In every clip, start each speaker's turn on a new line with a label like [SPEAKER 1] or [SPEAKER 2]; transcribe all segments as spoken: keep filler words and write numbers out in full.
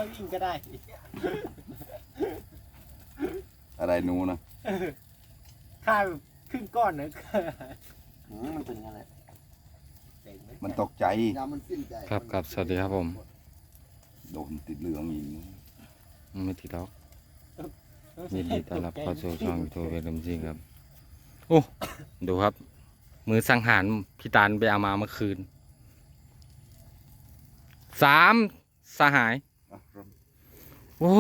[SPEAKER 1] อยวิ่งก็ได้
[SPEAKER 2] อะไรหนูนะ
[SPEAKER 1] ถ้าครึ่งก้อนนะ
[SPEAKER 3] มันเป็นอะไร
[SPEAKER 2] มันตกใจ
[SPEAKER 3] ยามันสิ้นใจ
[SPEAKER 4] ครับครับสวัสดีครับผม
[SPEAKER 2] โดนติดเหลืองอีก
[SPEAKER 4] ไม่ติดล็อกยินดีต้อนรับเข้าสู่ช่องยูทูบเวลมซิงครับโอ้ดูครับ มือสังหารพี่ตาลไปเอามาเมื่อคืนสามสหายโอ้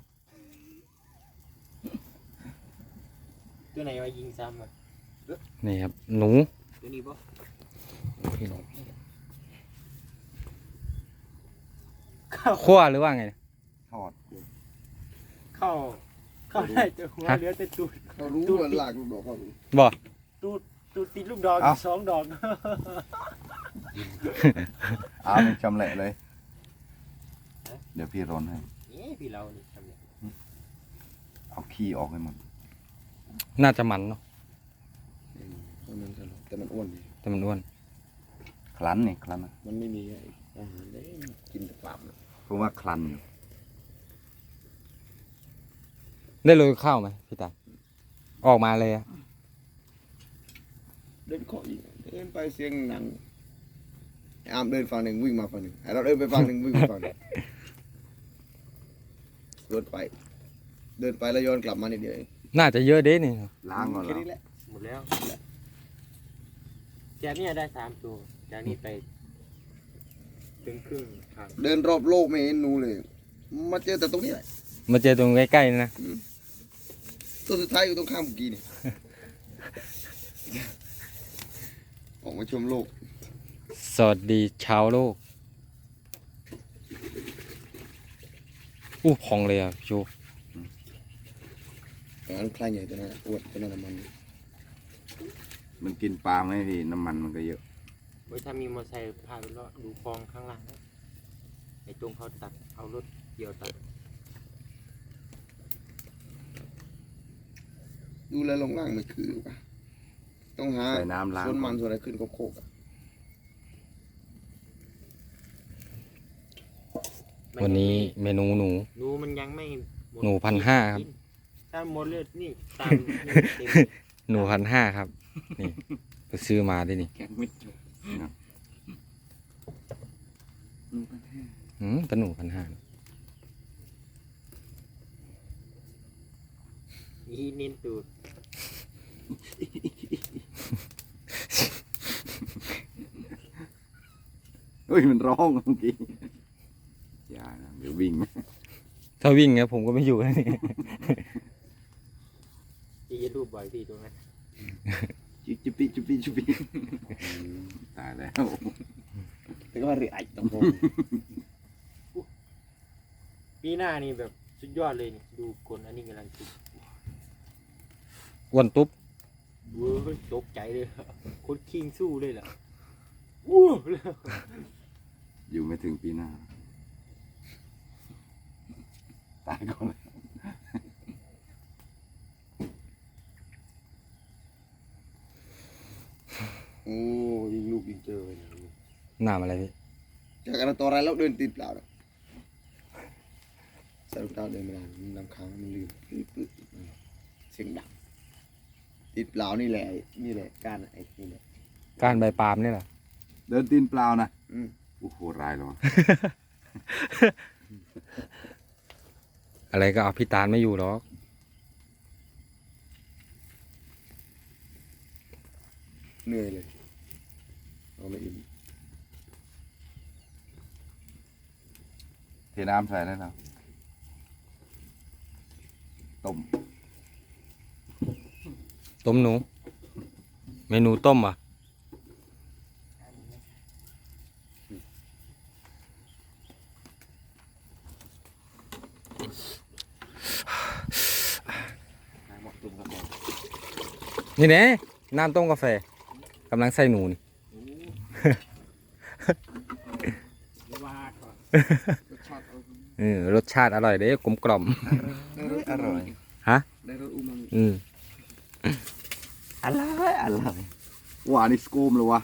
[SPEAKER 1] ตัวไหนมายิงซ้ำอ่ะ
[SPEAKER 4] นี่ครับหนู
[SPEAKER 1] ตัวนี้ปะ
[SPEAKER 4] ขั้วหรือว่าไง
[SPEAKER 2] ทอด
[SPEAKER 1] เข้าเข้าได้แต่หัวเหลือแต่ตูด
[SPEAKER 3] เขารู้ว่าหลักลูกดอกเขารู้
[SPEAKER 4] บอก
[SPEAKER 1] ตูดตูดติดลูกดอกอีกสองดอก
[SPEAKER 2] เอาจำแหละเลย เดี๋ยวพี่ร้อนให้
[SPEAKER 1] นี่พี่เรานี่ทำเนี่ย
[SPEAKER 2] เอาขี้ออกให้หมด
[SPEAKER 4] น่าจะมันเนาะ
[SPEAKER 3] มันจะแต่มันอ้วนดี
[SPEAKER 4] แต่มันอ้วน
[SPEAKER 2] คลันนี่คลันนะ
[SPEAKER 3] มันไม่มีอาหารได้กินแต่ปลา
[SPEAKER 2] ผมว่าคลันอยู่
[SPEAKER 4] ได้โรยข้าวไหมพี่ตาลออกมาเลยอะ
[SPEAKER 3] เดินเคาะอีกเดินไปเสียงหนังอามเดินฝั่งหนึ่งวิ่งมาฝั่งหนึ่งเราเดินไปฝั่งหนึ่งวิ่งมาฝั่งหนึ่งเดินไป เดินไปแล้วย้อนกลับมานิดเดียว
[SPEAKER 4] น่าจะเยอะเด้นี่
[SPEAKER 2] ล้างก่อน
[SPEAKER 3] แค่
[SPEAKER 2] เหรอ
[SPEAKER 3] นี้แหละ
[SPEAKER 1] หมดแล้วจากนี้ได้สามตัวจากนี้ไปถึงครึ่งทาง
[SPEAKER 3] เดินรอบโลกไม่เห็นหนูเลย มาเจอแต่ตรงนี้แหละ
[SPEAKER 4] มาเจอตรงใกล้ๆนี่นะ
[SPEAKER 3] ตัวสุดท้ายอยู่ตรงข้ามเมื่อกี้นี่ ออกมาชมโลก
[SPEAKER 4] สวัสดีชาวโลกอู้พองเลยอ่ะชู
[SPEAKER 3] อันคลายใหญ่ตัวนั้นอ้วนตัวนั้นมัน
[SPEAKER 2] มันกินปลาไหมพี่น้ำมันมันก็เยอะ
[SPEAKER 1] เว้ยถ้ามีมอเตอร์ไซค์พาไปเลาะดูคลองข้างล่างนะไอ้ตรงเขาตัดเอารถเกี่ยวตัด
[SPEAKER 3] ดูแลลงล่างไม่คือป่ะต้องหา
[SPEAKER 2] ใส่น้ำล้าง
[SPEAKER 3] ส่วนมันส่วนอะไรขึ้นโคกๆอ่ะ
[SPEAKER 4] วันนี้เมนูหนู
[SPEAKER 1] หนูมันยังไม่มด
[SPEAKER 4] หนูพันห้าครับ
[SPEAKER 1] ถ้าหมดเลยนี่ตามนี่เต็ม
[SPEAKER 4] หนูพันห้าครับ นี่ไปซื้อมาด้วยนี่
[SPEAKER 3] แกงไม่จบ
[SPEAKER 4] อืมแต่หนูพันห้า
[SPEAKER 1] นี่เน้นตูด
[SPEAKER 2] เฮ้ยมันร้องเมื่อกี้อย่านะเดี๋ยววิ่ง
[SPEAKER 4] ถ้าวิ่งเนี่ยผมก็ไม่อยู่แล้วนี่
[SPEAKER 1] ที่จะรูปบ่อยพี่ตรงนั้น
[SPEAKER 2] จุบจุบปิจุบปิจุบปิตายแล้ว
[SPEAKER 3] แต่ก็ว่าเรือไอ้ตรงโพ
[SPEAKER 1] ปีหน้านี่แบบสุดยอดเลยนี่ดูคนอันนี้กำลังคิด
[SPEAKER 4] อ้วนตุ๊บ
[SPEAKER 1] เว้ยตกใจเลยคนคิงสู้เลยเหรอวู้
[SPEAKER 2] อยู่ไม่ถึงปีหน้าตายก่อนเลย
[SPEAKER 3] โอ้ยิงลูกยิงเจอเลย
[SPEAKER 4] น้ำอะไรพี่
[SPEAKER 3] จากการตัวอะไรแล้วเดินติดเปล่าใส่รองเท้าเดินไม่ได้ลำค้างมันลืมเสียงดังติดเปล่านี่แหละนี่แหละการไอ้นี่แหละ
[SPEAKER 4] การใบปาล์มนี่แหละ
[SPEAKER 2] เดินตีนเปล่านะ
[SPEAKER 3] อืม
[SPEAKER 2] โอ้โหร้ายแล้ววะ
[SPEAKER 4] อะไรก็เอาพี่ตาลไม่อยู่หรอก
[SPEAKER 3] เหนื่อยเลยเอาไม่อิ่ม
[SPEAKER 2] เทน้ำใส่ได้แล้วต้ม
[SPEAKER 4] ต้มหนู เมนูต้มอ่ะ
[SPEAKER 3] หมดตุ่มกระบอก
[SPEAKER 4] นี่แน่น้ำต้มกาแฟกำลังใส่หนูนี่
[SPEAKER 1] ว่าก่อน
[SPEAKER 3] รสชาติ
[SPEAKER 4] เออรสชาติอร่อยเด้กลมกล่อม
[SPEAKER 3] ได้รส
[SPEAKER 2] อร่อย
[SPEAKER 4] ฮะ
[SPEAKER 3] ได้รสอูมามิ
[SPEAKER 4] อืม
[SPEAKER 2] อร่อยอร่อยว่านี่สกูมเลยวะ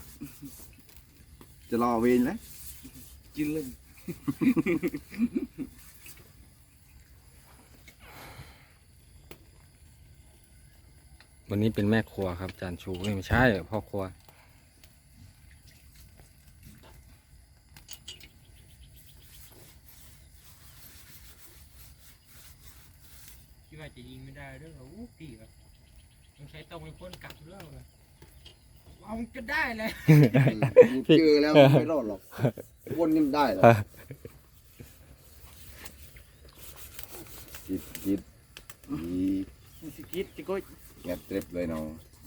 [SPEAKER 2] จะรอเวนแล้ว
[SPEAKER 3] กินเลย
[SPEAKER 4] วันนี้เป็นแม่ครัวครับจานชูเอ้ยไม่ใช่พ่อครัว
[SPEAKER 1] คิดว่าจะยิงไม่ได้ด้วยเหรออู้พี่แบบต้องใช้ต้องเป็นคนกลับเรื่องเลยเอามันก็ได้เลย
[SPEAKER 3] เจอแล้วไม่รอดหรอกวนกันได้หรอ
[SPEAKER 2] คิดคิดอี
[SPEAKER 1] สกิดจะก็
[SPEAKER 2] แงบเตร็บเลยเนาะ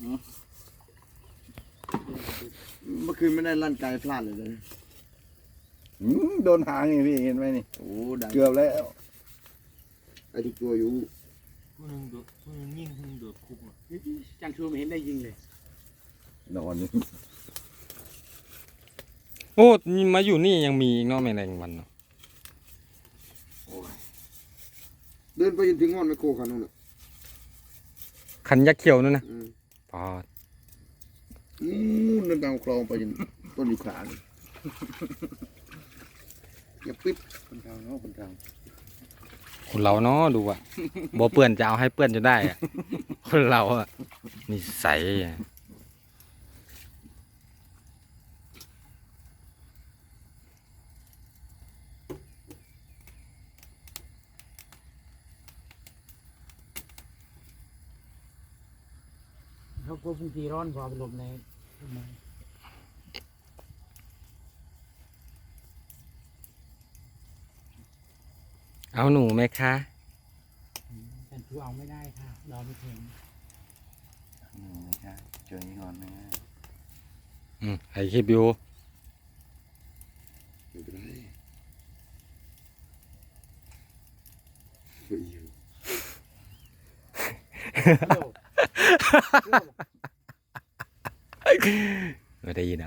[SPEAKER 3] เมื่อคืนไม่ได้ลั่นไกลพลาดเลยเลย
[SPEAKER 2] อืมโดนหางไงพี่เห็นไหมนี่
[SPEAKER 3] โอ้ได้
[SPEAKER 2] เกือบแล้ว
[SPEAKER 3] ไอ้ทุกตัวอยู่
[SPEAKER 1] ผู้หนึงโดดผู้หนึงยิงผู้หนึงโดดคุกอ่ะ
[SPEAKER 5] จังชูไม่เห็นได้ยิงเลย
[SPEAKER 2] นอนนี่
[SPEAKER 4] โอ้นี่มาอยู่นี่ยังมีอีกเนาะแมลงวันเนาะ
[SPEAKER 3] เดินไปจนถึงงอนไมโครคันนู้นน่ะ
[SPEAKER 4] คันยักษ์เขียวนั่นนะ
[SPEAKER 3] อืม
[SPEAKER 4] ปอด
[SPEAKER 3] นู่นเดินตามคลองไปจนต้นยูคาเลยอย่าปิด
[SPEAKER 2] คนทางเนาะคนทาง
[SPEAKER 4] คนเราเนาะดูอ่ะบ่เปื่อนจะเอาให้เปื่อนจนได้อ่ะคนเราอ่ะนิสัยอะ
[SPEAKER 5] เขาควบคุมทีร้อนพอไปหลบในต้นไม้
[SPEAKER 4] เอาหนูไหมคะ
[SPEAKER 5] จังชูเอาไม่ได้ค่ะเราไม่ถึง
[SPEAKER 2] อืมไม่ใช่เจอนี้ก่อนนะ
[SPEAKER 4] อืมไอคลิปอยู่
[SPEAKER 3] ไม่เป็นไรเฮ้ยอยู่
[SPEAKER 4] ไม่ได้ยินอ่ะ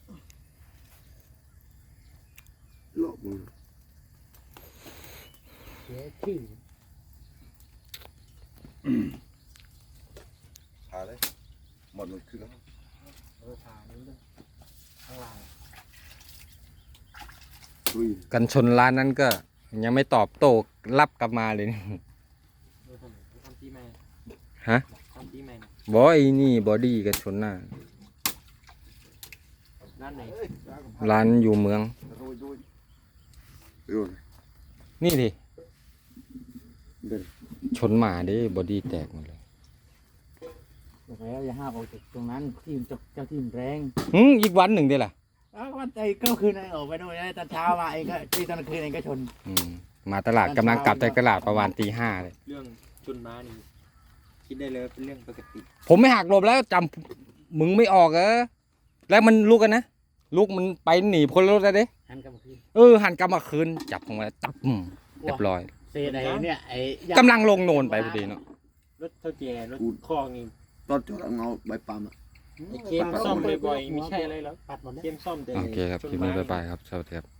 [SPEAKER 3] หลอกมึง
[SPEAKER 5] เสียชื่อ
[SPEAKER 2] หาเลยหมดมันคือแล้ว
[SPEAKER 5] เออผ่านนี้เลยข้างล่าง
[SPEAKER 3] เฮ้ย
[SPEAKER 4] กันชนร้านนั้นก็ยังไม่ตอบโต้รับกลับมาเลยนี่
[SPEAKER 1] เออทำทำที่แม่
[SPEAKER 4] ฮะ
[SPEAKER 1] ทำที่แม่
[SPEAKER 4] บอยนี่บอดี้กันชนหน้า
[SPEAKER 1] ด้านไหน
[SPEAKER 4] ร้านอยู่เมือง
[SPEAKER 3] โอ้ยโอ้ยเดี๋ยว
[SPEAKER 4] นี่ดิ
[SPEAKER 3] เดิน
[SPEAKER 4] ชนหมาดิบอดี้แตกหมดเลย
[SPEAKER 5] บอกแล้วอย่าห้ามออกจากตรงนั้นที่มันจะเจ้าที่มันแรง
[SPEAKER 4] อืมอีกวันหนึ่งดิล่ะ
[SPEAKER 5] อ้าววันใจก็คืนไอ้ออกไปนู่นนะตอนเช้ามาเองก็ที่ตอนกลางคืนเองก็ชน
[SPEAKER 4] อืมมาตลาดกำลังกลับจากตลาดประมาณตีห้าเลย
[SPEAKER 1] เรื่องชนม้านี่คิดได้เลยว่าเป็นเรื่องปกติ
[SPEAKER 4] ผมไม่หักหลบแล้วจำมึงไม่ออกเออแล้วมันลุกกันนะลุกมันไปหนีพ้นรถแล้วเด้
[SPEAKER 5] หันกลับมาคืน
[SPEAKER 4] เออหันกลับมาคืนจับของมาตับอืมเรียบร้อย
[SPEAKER 5] เศษไอ้เนี่ยไอ้
[SPEAKER 4] กำลังลงโนนไปพอดีเนาะ
[SPEAKER 1] รถเท่าแก่รถคลองนี่
[SPEAKER 3] ตอนจอดเอาเงาใบปาล์มอ่ะ
[SPEAKER 1] ไอ้เกมซ่อมบ่อยๆไม่ใช่อะไรหรอก
[SPEAKER 5] ปัดหมดแล้ว
[SPEAKER 1] เกมซ่อมแต่
[SPEAKER 4] โอเคครับคลิปนี้บ๊ายบายครับสวัสดีครับ